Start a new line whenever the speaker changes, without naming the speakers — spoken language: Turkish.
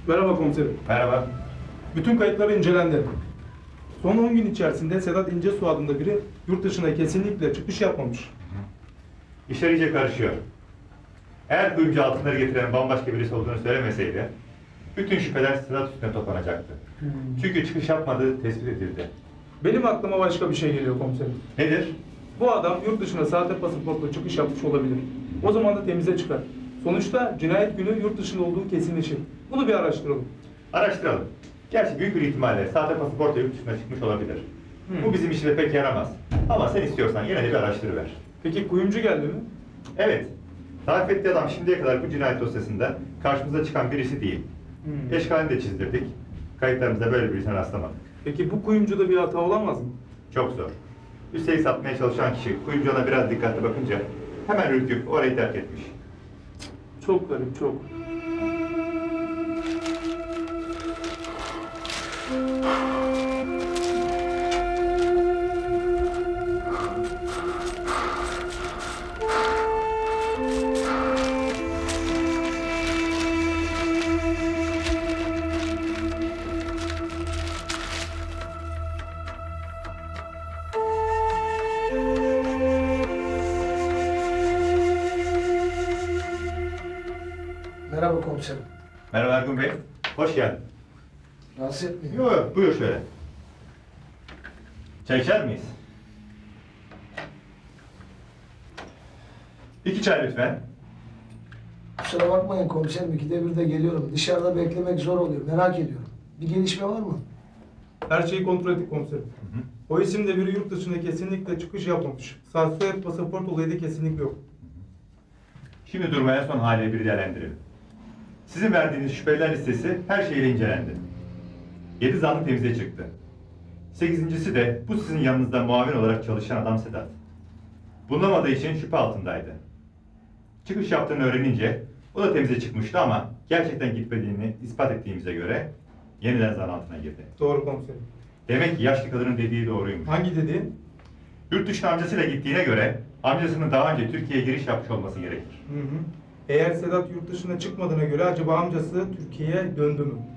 Merhaba komiserim.
Merhaba.
Bütün kayıtlar incelendi. Son 10 gün içerisinde Sedat İncesu adında biri yurt dışına kesinlikle çıkış yapmamış.
İşler iyice karışıyor. Eğer kuyumcu altınları getiren bambaşka birisi olduğunu söylemeseydi, bütün şüpheler Sedat üstüne toplanacaktı. Çünkü çıkış yapmadığı tespit edildi.
Benim aklıma başka bir şey geliyor komiserim.
Nedir?
Bu adam yurt dışına sahte pasaportla çıkış yapmış olabilir. O zaman da temize çıkar. Sonuçta cinayet günü yurt dışında olduğu kesinleşir. Bunu bir araştıralım.
Araştıralım. Gerçi büyük bir ihtimalle sahte pasaportla yurt dışına çıkmış olabilir. Bu bizim işine pek yaramaz. Ama sen istiyorsan yine de bir araştırıver.
Peki kuyumcu geldi mi?
Evet. Tarif ettiği adam şimdiye kadar bu cinayet dosyasında karşımıza çıkan birisi değil. Eşkalini de çizdirdik. Kayıtlarımızda böyle birisine rastlamadık.
Peki bu kuyumcuda bir hata olamaz mı?
Çok zor. Üstelik satmaya çalışan kişi kuyumcu ona biraz dikkatli bakınca hemen ürküp orayı terk etmiş.
Çok garip, çok.
Merhaba komiserim.
Merhaba Ergun Bey. Hoş geldin.
Rahatsız etmeyin.
Yok, buyur şöyle. Çay içer miyiz? 2 çay lütfen.
Kusura bakmayın komiserim, 2'de 1'de geliyorum. Dışarıda beklemek zor oluyor, merak ediyorum. Bir gelişme var mı?
Her şeyi kontrol ettik komiserim. O isimde biri yurt dışına kesinlikle çıkış yapmamış. Sahte pasaport olayı da kesinlikle yok.
Şimdi durmaya son haliyle bir değerlendirelim. Sizin verdiğiniz şüpheliler listesi her şeyle incelendi. 7 zanlı temize çıktı. 8.'si de bu sizin yanınızda muavin olarak çalışan adam Sedat. Bulunamadığı için şüphe altındaydı. Çıkış yaptığını öğrenince o da temize çıkmıştı ama gerçekten gitmediğini ispat ettiğimize göre yeniden zan altına girdi.
Doğru komiserim.
Demek ki yaşlı kadının dediği doğruymuş.
Hangi dediği?
Yurt dışına amcasıyla gittiğine göre amcasının daha önce Türkiye'ye giriş yapmış olması gerekir.
Eğer Sedat yurt dışına çıkmadığına göre acaba amcası Türkiye'ye döndü mü?